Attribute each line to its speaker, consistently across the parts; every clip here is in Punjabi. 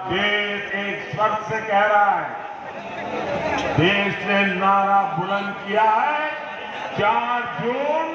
Speaker 1: देश एक स्वर से कह रहा है, देश ने नारा बुलंद किया है 4 जून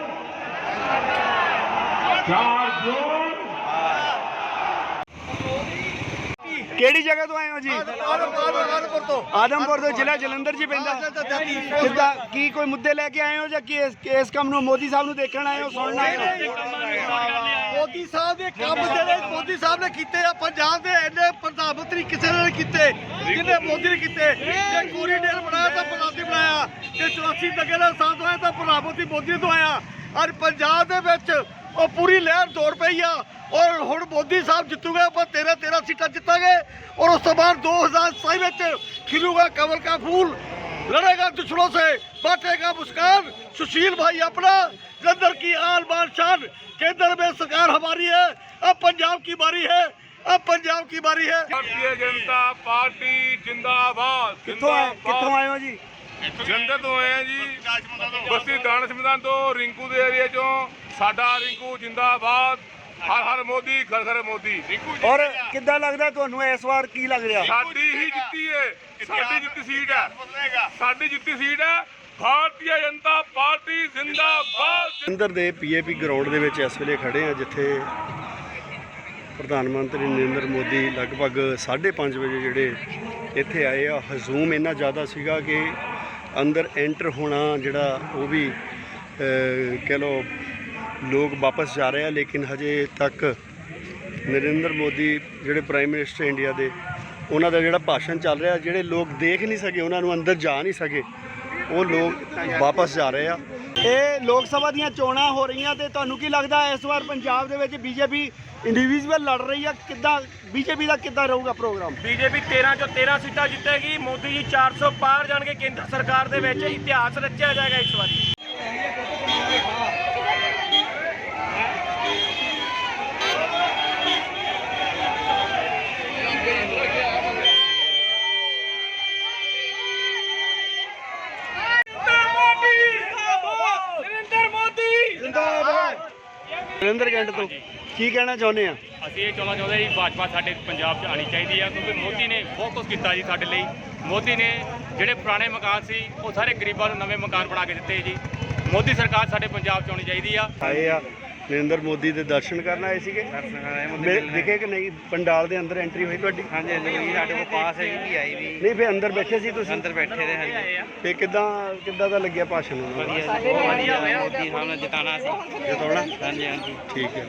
Speaker 2: ਕਿਹੜੀ ਜਗ੍ਹਾ ਤੋਂ ਆਏ ਹੋ ਜੀ? ਆਦਮਪੁਰ ਤੋਂ, ਜ਼ਿਲ੍ਹਾ ਜਲੰਧਰ ਜੀ ਪੈਂਦਾ। ਕਿੱਦਾਂ ਕੀ ਕੋਈ ਮੁੱਦੇ ਲੈ ਕੇ ਆਏ ਹੋ ਜਾਂ ਕੀ ਇਸ ਕੰਮ ਨੂੰ ਮੋਦੀ ਸਾਹਿਬ ਨੂੰ ਦੇਖਣ ਆਏ ਹੋ, ਸੁਣਨ ਆਏ ਹੋ?
Speaker 3: ਮੋਦੀ ਸਾਹਿਬ ਦੇ ਕੰਮ ਜਿਹੜੇ ਮੋਦੀ ਸਾਹਿਬ ਨੇ ਕੀਤੇ ਆ, ਪੰਜਾਬ ਦੇ ਇੰਨੇ ਪ੍ਰਧਾਨ ਮੰਤਰੀ ਕਿਸੇ ਨੇ ਨਹੀਂ ਕੀਤੇ ਜਿਹਨੇ ਮੋਦੀ ਨੇ ਕੀਤੇ। ਜੇ ਕੋਰੀਡੋਰ ਬਣਾਇਆ ਤਾਂ ਪ੍ਰਧਾਨਮੰਤਰੀ ਬਣਾਇਆ, ਜੇ 84 ਦੰਗੇ ਦਾ ਸਾਥ ਹੋਇਆ ਤਾਂ ਪ੍ਰਧਾਨਮੰਤਰੀ ਮੋਦੀ ਤੋਂ ਆਇਆ। ਔਰ ਪੰਜਾਬ ਦੇ ਵਿੱਚ ਉਹ ਪੂਰੀ ਲਹਿਰ ਦੌੜ ਪਈ ਆ। ਔਰ ਹੁਣ ਮੋਦੀ ਸਾਹਿਬ ਜਿੱਤੂਗੇ, ਆਪਾਂ 13 ਸੀਟਾਂ ਜਿੱਤਾਂਗੇ। ਔਰ ਉਸ ਤੋਂ ਬਾਅਦ 2027 ਵਿੱਚ खिलूगा कमल का फूल, लड़ेगा दुश्मनों से, बांटेगा मुस्कान। सुशील भाई अपना, जलंधर की आन बान शान, केंद्र में सरकार हमारी है। अब पंजाब की बारी है, अब पंजाब की बारी है।
Speaker 1: भारतीय जनता पार्टी जिंदाबाद।
Speaker 2: ਕਿੱਥੋਂ ਆਏ ਹੋ ਜੀ?
Speaker 1: ਜਲੰਧਰ ਤੋਂ ਆਏ ਆ ਜੀ, ਬਸਤੀ ਦਾਨਿਸ਼ ਮੈਦਾਨ ਤੋਂ, ਰਿੰਕੂ ਦੇ ਏਰੀਆ ਚੋਂ। ਸਾਡਾ ਰਿੰਕੂ ਜਿੰਦਾਬਾਦ, ਹਰ ਹਰ ਮੋਦੀ, ਘਰ ਘਰ ਮੋਦੀ।
Speaker 2: ਔਰ ਕਿੱਦਾਂ ਲੱਗਦਾ ਤੁਹਾਨੂੰ ਇਸ ਵਾਰ, ਕੀ ਲੱਗ ਰਿਹਾ?
Speaker 1: ਸਾਡੀ ਹੀ ਜਿੱਤੀ ਹੈ, ਸਾਡੀ ਜਿੱਤੀ ਸੀਟ ਹੈ, ਸਾਡੀ ਜਿੱਤੀ ਸੀਟ ਹੈ। ਭਾਰਤੀ ਜਨਤਾ ਪਾਰਟੀ ਜਿੰਦਾਬਾਦ।
Speaker 2: ਜਲੰਧਰ ਦੇ ਪੀਏਪੀ ਗਰਾਊਂਡ ਦੇ ਵਿੱਚ ਇਸ ਵੇਲੇ ਖੜੇ ਆ, ਜਿੱਥੇ ਪ੍ਰਧਾਨ ਮੰਤਰੀ ਨਰਿੰਦਰ ਮੋਦੀ ਲਗਭਗ 5:30 ਵਜੇ ਜਿਹੜੇ ਇੱਥੇ ਆਏ ਆ। ਹਜੂਮ ਇੰਨਾ ਜ਼ਿਆਦਾ ਸੀਗਾ ਕਿ ਅੰਦਰ ਐਂਟਰ ਹੋਣਾ ਜਿਹੜਾ ਉਹ ਵੀ ਕਹਿ ਲਓ ਲੋਕ ਵਾਪਸ ਜਾ ਰਹੇ ਆ। ਲੇਕਿਨ ਹਜੇ ਤੱਕ ਨਰਿੰਦਰ ਮੋਦੀ ਜਿਹੜੇ ਪ੍ਰਾਈਮ ਮਿਨਿਸਟਰ ਇੰਡੀਆ ਦੇ, ਉਹਨਾਂ ਦਾ ਜਿਹੜਾ ਭਾਸ਼ਣ ਚੱਲ ਰਿਹਾ, ਜਿਹੜੇ ਲੋਕ ਦੇਖ ਨਹੀਂ ਸਕੇ, ਉਹਨਾਂ ਨੂੰ ਅੰਦਰ ਜਾ ਨਹੀਂ ਸਕੇ, ਉਹ ਲੋਕ ਵਾਪਸ ਜਾ ਰਹੇ ਆ। ਇਹ ਲੋਕ ਸਭਾ ਦੀਆਂ ਚੋਣਾਂ ਹੋ ਰਹੀਆਂ ਤੇ ਤੁਹਾਨੂੰ ਕੀ ਲੱਗਦਾ ਇਸ ਵਾਰ ਪੰਜਾਬ ਦੇ ਵਿੱਚ ਬੀਜੇਪੀ ਇੰਡੀਵਿਜੂਅਲ ਲੜ ਰਹੀ ਆ, ਕਿੱਦਾਂ ਬੀਜੇਪੀ ਦਾ ਕਿੱਦਾਂ ਰਹੂਗਾ ਪ੍ਰੋਗਰਾਮ?
Speaker 4: ਬੀਜੇਪੀ 13 ਚੋਂ 13 ਸੀਟਾਂ ਜਿੱਤੇਗੀ। ਮੋਦੀ ਜੀ 400 ਪਾਰ ਜਾਣਗੇ ਕੇਂਦਰ ਸਰਕਾਰ ਦੇ ਵਿੱਚ। ਇਤਿਹਾਸ ਰਚਿਆ ਜਾਏਗਾ ਇਸ ਵਾਰੀ।
Speaker 2: ਨਰਿੰਦਰ ਕੈਂਟ ਤੋਂ ਕੀ ਕਹਿਣਾ ਚਾਹੁੰਦੇ ਆ?
Speaker 4: ਅਸੀਂ ਇਹ ਚਾਹੁੰਦੇ ਜੀ ਭਾਜਪਾ ਸਾਡੇ ਪੰਜਾਬ 'ਚ ਆਉਣੀ ਚਾਹੀਦੀ ਆ, ਕਿਉਂਕਿ ਮੋਦੀ ਨੇ ਬਹੁਤ ਕੁਝ ਕੀਤਾ ਜੀ ਸਾਡੇ ਲਈ। ਮੋਦੀ ਨੇ ਜਿਹੜੇ ਪੁਰਾਣੇ ਮਕਾਨ ਸੀ ਉਹ ਸਾਰੇ ਗਰੀਬਾਂ ਨੂੰ ਨਵੇਂ ਮਕਾਨ ਬਣਾ ਕੇ ਦਿੱਤੇ ਜੀ। ਮੋਦੀ ਸਰਕਾਰ ਸਾਡੇ ਪੰਜਾਬ 'ਚ ਆਉਣੀ ਚਾਹੀਦੀ ਆ।
Speaker 2: ਆਏ ਆ ਨਰਿੰਦਰ ਮੋਦੀ ਦੇ ਦਰਸ਼ਨ ਕਰਨ ਆਏ ਸੀਗੇ। ਦਿਖੇ ਕਿ ਨਹੀਂ ਪੰਡਾਲ ਦੇ ਅੰਦਰ ਐਂਟਰੀ ਹੋਈ ਤੁਹਾਡੀ?
Speaker 5: ਹਾਂਜੀ ਹਾਂਜੀ, ਸਾਡੇ ਕੋਲ ਪਾਸ ਹੈ ਜੀ, ਆਈ ਵੀ
Speaker 2: ਨਹੀਂ ਫਿਰ ਅੰਦਰ ਬੈਠੇ ਸੀ ਤੁਸੀਂ?
Speaker 5: ਅੰਦਰ ਬੈਠੇ ਰਹੇ ਹਾਂਜੀ।
Speaker 2: ਤੇ ਕਿੱਦਾਂ ਦਾ ਲੱਗਿਆ ਭਾਸ਼ਣ?
Speaker 5: ਵਧੀਆ ਜੀ, ਬਹੁਤ ਵਧੀਆ ਹੋਇਆ। ਮੋਦੀ ਸਾਹਿਬ ਨੇ ਜਿਤਾਉਣਾ ਸੀ।
Speaker 2: ਜਿਤਾਉਣਾ?
Speaker 5: ਹਾਂਜੀ ਹਾਂਜੀ,
Speaker 2: ਠੀਕ ਹੈ।